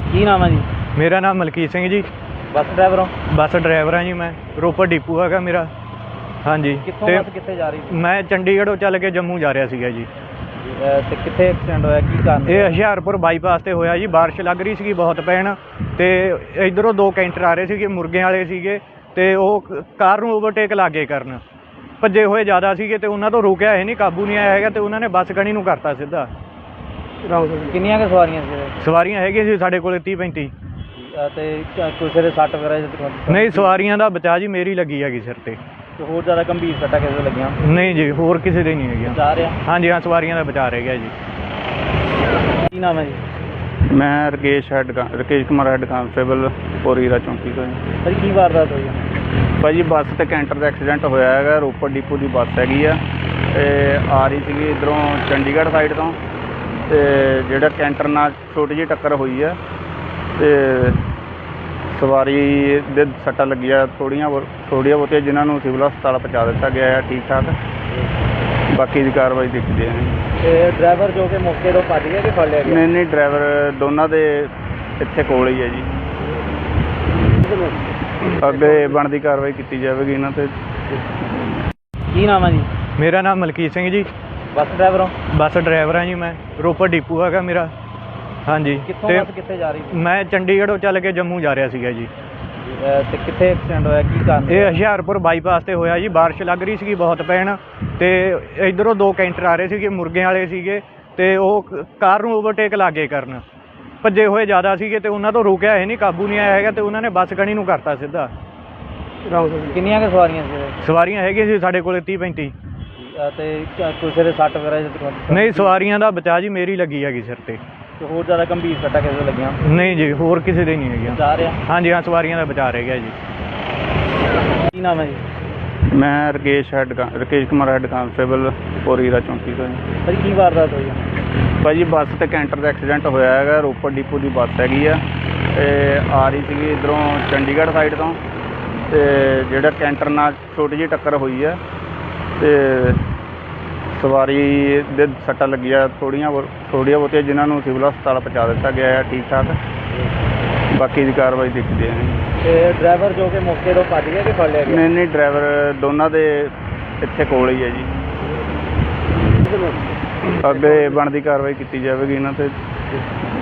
ਕੀ ਨਾਮ ਹੈ ਜੀ? ਮੇਰਾ ਨਾਮ ਮਲਕੀਤ ਸਿੰਘ ਜੀ। ਬੱਸ ਡਰਾਈਵਰ ਹੋ? ਬੱਸ ਡਰਾਈਵਰ ਹਾਂ ਜੀ ਮੈਂ। ਰੋਪੜ ਡਿਪੂ ਹੈਗਾ ਮੇਰਾ। ਹਾਂਜੀ। ਕਿੱਥੋਂ ਤੇ ਬੱਸ ਕਿੱਥੇ ਜਾ ਰਹੀ ਸੀ? ਮੈਂ ਚੰਡੀਗੜ੍ਹੋਂ ਚੱਲ ਕੇ ਜੰਮੂ ਜਾ ਰਿਹਾ ਸੀਗਾ ਜੀ। ਤੇ ਕਿੱਥੇ ਐਕਸੀਡੈਂਟ ਹੋਇਆ, ਕੀ ਕਾਰਨ? ਇਹ ਹੁਸ਼ਿਆਰਪੁਰ ਬਾਈਪਾਸ ਤੇ ਹੋਇਆ ਜੀ। ਬਾਰਿਸ਼ ਲੱਗ ਰਹੀ ਸੀਗੀ ਬਹੁਤ ਪੈਣ, ਤੇ ਇੱਧਰੋਂ ਦੋ ਕੈਂਟਰ ਆ ਰਹੇ ਸੀਗੇ, ਮੁਰਗਿਆਂ ਵਾਲੇ ਸੀਗੇ, ਤੇ ਉਹ ਕਾਰ ਨੂੰ ਓਵਰਟੇਕ ਲਾਗੇ ਕਰਨ ਭੱਜੇ ਹੋਏ ਜ਼ਿਆਦਾ ਸੀਗੇ, ਤੇ ਉਹਨਾਂ ਤੋਂ ਰੁਕਿਆ ਇਹ ਨਹੀਂ, ਕਾਬੂ ਨਹੀਂ ਆਇਆ ਹੈਗਾ, ਤੇ ਉਹਨਾਂ ਨੇ ਬੱਸ ਗਣੀ ਨੂੰ ਕਰਤਾ ਸਿੱਧਾ। ਕਿੰਨੀਆਂ ਕੁ ਸਵਾਰੀਆਂ ਸੀ? ਸਵਾਰੀਆਂ ਹੈਗੀਆਂ ਸੀ ਸਾਡੇ ਕੋਲ 30-35। ਤੇ ਕਿਸੇ ਦੇ ਸੱਟ ਵਗੈਰਾ? ਨਹੀਂ, ਸਵਾਰੀਆਂ ਦਾ ਬਚਾ ਜੀ, ਮੇਰੀ ਲੱਗੀ ਹੈਗੀ ਸਿਰ ਤੇ। ਹੋਰ ਜ਼ਿਆਦਾ ਗੰਭੀਰ ਸੱਟਾਂ ਕਿਸੇ ਦੇ ਲੱਗੀਆਂ? ਨਹੀਂ ਜੀ, ਹੋਰ ਕਿਸੇ ਦੇ ਨਹੀਂ ਹੈਗੀਆਂ। ਜਾ ਰਿਹਾ? ਹਾਂਜੀ ਹਾਂ, ਸਵਾਰੀਆਂ ਦਾ ਬਚਾ ਰਹਿ ਗਿਆ ਜੀ। ਕੀ ਨਾਮ ਹੈ ਜੀ? ਮੈਂ ਰਕੇਸ਼ ਕੁਮਾਰ ਹੈੱਡ ਕਾਂਸਟੇਬਲ ਪੋਰੀਰਾ ਚੌਂਕੀ ਤੋਂ ਜੀ। ਸਰ ਕੀ ਵਾਰਦਾਤ ਹੋਈ? ਭਾਜੀ ਬੱਸ ਤੇ ਕੈਂਟਰ ਦਾ ਐਕਸੀਡੈਂਟ ਹੋਇਆ ਹੈਗਾ। ਰੋਪੜ ਡਿਪੂ ਦੀ ਬੱਸ ਹੈਗੀ ਆ, ਤੇ ਆ ਰਹੀ ਸੀਗੀ ਇੱਧਰੋਂ ਚੰਡੀਗੜ੍ਹ ਸਾਈਡ ਤੋਂ, ਤੇ ਜਿਹੜਾ ਕੈਂਟਰ ਨਾਲ ਛੋਟੀ ਜਿਹੀ ਟੱਕਰ ਹੋਈ ਆ, ਤੇ ਸਵਾਰੀ ਦੇ ਸੱਟਾਂ ਲੱਗੀਆਂ ਥੋੜ੍ਹੀਆਂ ਬਹੁਤੀਆਂ, ਜਿਨ੍ਹਾਂ ਨੂੰ ਸਿਵਲ ਹਸਪਤਾਲ ਪਹੁੰਚਾ ਦਿੱਤਾ ਗਿਆ ਹੈ ਠੀਕ ਠਾਕ। ਬਾਕੀ ਦੀ ਕਾਰਵਾਈ ਦੇਖਦੇ ਹਾਂ। ਤੇ ਡਰਾਈਵਰ ਜੋ ਕਿ ਮੌਕੇ ਤੋਂ ਭੱਜ ਗਿਆ ਕਿ ਫੜ ਲਿਆ ਗਿਆ? ਨਹੀਂ, ਡਰਾਈਵਰ ਦੋਨਾਂ ਦੇ ਇੱਥੇ ਕੋਲ ਹੀ ਹੈ ਜੀ। ਅੱਗੇ ਬਣਦੀ ਕਾਰਵਾਈ ਕੀਤੀ ਜਾਵੇਗੀ ਇਹਨਾਂ 'ਤੇ। ਕੀ ਨਾਮ ਹੈ ਜੀ? ਮੇਰਾ ਨਾਮ ਮਲਕੀਤ ਸਿੰਘ ਜੀ। ਬੱਸ ਡਰਾਈਵਰ ਹੋ? ਬੱਸ ਡਰਾਈਵਰ ਹਾਂ ਜੀ ਮੈਂ। ਰੋਪੜ ਡਿਪੂ ਹੈਗਾ ਮੇਰਾ। ਹਾਂਜੀ। ਕਿੱਥੋਂ ਤੇ ਬੱਸ ਕਿੱਥੇ ਜਾ ਰਹੀ ਸੀ? ਮੈਂ ਚੰਡੀਗੜ੍ਹੋਂ ਚੱਲ ਕੇ ਜੰਮੂ ਜਾ ਰਿਹਾ ਸੀਗਾ ਜੀ। ਤੇ ਕਿੱਥੇ ਐਕਸੀਡੈਂਟ ਹੋਇਆ, ਕੀ ਕਾਰਨ? ਇਹ ਹੁਸ਼ਿਆਰਪੁਰ ਬਾਈਪਾਸ ਤੇ ਹੋਇਆ ਜੀ। ਬਾਰਿਸ਼ ਲੱਗ ਰਹੀ ਸੀਗੀ ਬਹੁਤ ਪੈਣ, ਤੇ ਇੱਧਰੋਂ ਦੋ ਕੈਂਟਰ ਆ ਰਹੇ ਸੀਗੇ, ਮੁਰਗਿਆਂ ਵਾਲੇ ਸੀਗੇ, ਤੇ ਉਹ ਕਾਰ ਨੂੰ ਓਵਰਟੇਕ ਲਾਗੇ ਕਰਨ ਭੱਜੇ ਹੋਏ ਜ਼ਿਆਦਾ ਸੀਗੇ, ਤੇ ਉਹਨਾਂ ਤੋਂ ਰੁਕਿਆ ਇਹ ਨਹੀਂ, ਕਾਬੂ ਨਹੀਂ ਆਇਆ ਹੈਗਾ, ਤੇ ਉਹਨਾਂ ਨੇ ਬੱਸ ਗਣੀ ਨੂੰ ਕਰਤਾ ਸਿੱਧਾ। ਕਿੰਨੀਆਂ ਕੁ ਸਵਾਰੀਆਂ ਸੀ? ਸਵਾਰੀਆਂ ਹੈਗੀਆਂ ਸੀ ਸਾਡੇ ਕੋਲ 30-35। ਤੇ ਕਿਸੇ ਦੇ ਸੱਟ ਵਗੈਰਾ? ਨਹੀਂ, ਸਵਾਰੀਆਂ ਦਾ ਬਚਾ ਜੀ, ਮੇਰੀ ਲੱਗੀ ਹੈਗੀ ਸਿਰ ਤੇ। ਹੋਰ ਜ਼ਿਆਦਾ ਗੰਭੀਰ ਸੱਟਾਂ ਕਿਸੇ ਦੇ ਲੱਗੀਆਂ? ਨਹੀਂ ਜੀ, ਹੋਰ ਕਿਸੇ ਦੇ ਨਹੀਂ ਹੈਗੀਆਂ। ਜਾ ਰਿਹਾ? ਹਾਂਜੀ ਹਾਂ, ਸਵਾਰੀਆਂ ਦਾ ਬਚਾ ਰਹਿ ਗਿਆ ਜੀ। ਕੀ ਨਾਮ ਹੈ ਜੀ? ਮੈਂ ਰਕੇਸ਼ ਕੁਮਾਰ ਹੈੱਡ ਕਾਂਸਟੇਬਲ ਪੋਰੀਰਾ ਚੌਂਕੀ ਤੋਂ ਜੀ। ਸਰ ਕੀ ਵਾਰਦਾਤ ਹੋਈ? ਭਾਜੀ ਬੱਸ ਤੇ ਕੈਂਟਰ ਦਾ ਐਕਸੀਡੈਂਟ ਹੋਇਆ ਹੈਗਾ। ਰੋਪੜ ਡਿਪੂ ਦੀ ਬੱਸ ਹੈਗੀ ਆ, ਤੇ ਆ ਰਹੀ ਸੀਗੀ ਇੱਧਰੋਂ ਚੰਡੀਗੜ੍ਹ ਸਾਈਡ ਤੋਂ, ਤੇ ਜਿਹੜਾ ਕੈਂਟਰ ਨਾਲ ਛੋਟੀ ਜਿਹੀ ਟੱਕਰ ਹੋਈ ਆ, ਤੇ ਸਵਾਰੀ ਦੇ ਸੱਟਾਂ ਲੱਗੀਆਂ ਥੋੜ੍ਹੀਆਂ ਬਹੁਤੀਆਂ, ਜਿਨ੍ਹਾਂ ਨੂੰ ਸਿਵਲ ਹਸਪਤਾਲ ਪਹੁੰਚਾ ਦਿੱਤਾ ਗਿਆ ਹੈ ਠੀਕ ਠਾਕ। ਬਾਕੀ ਦੀ ਕਾਰਵਾਈ ਦੇਖਦੇ ਹਾਂ। ਤੇ ਡਰਾਈਵਰ ਜੋ ਕਿ ਮੌਕੇ ਤੋਂ ਭੱਜ ਗਿਆ ਕਿ ਫੜ ਲਿਆ ਗਿਆ? ਨਹੀਂ, ਡਰਾਈਵਰ ਦੋਨਾਂ ਦੇ ਇੱਥੇ ਕੋਲ ਹੀ ਹੈ ਜੀ। ਅੱਗੇ ਬਣਦੀ ਕਾਰਵਾਈ ਕੀਤੀ ਜਾਵੇਗੀ ਇਹਨਾਂ 'ਤੇ।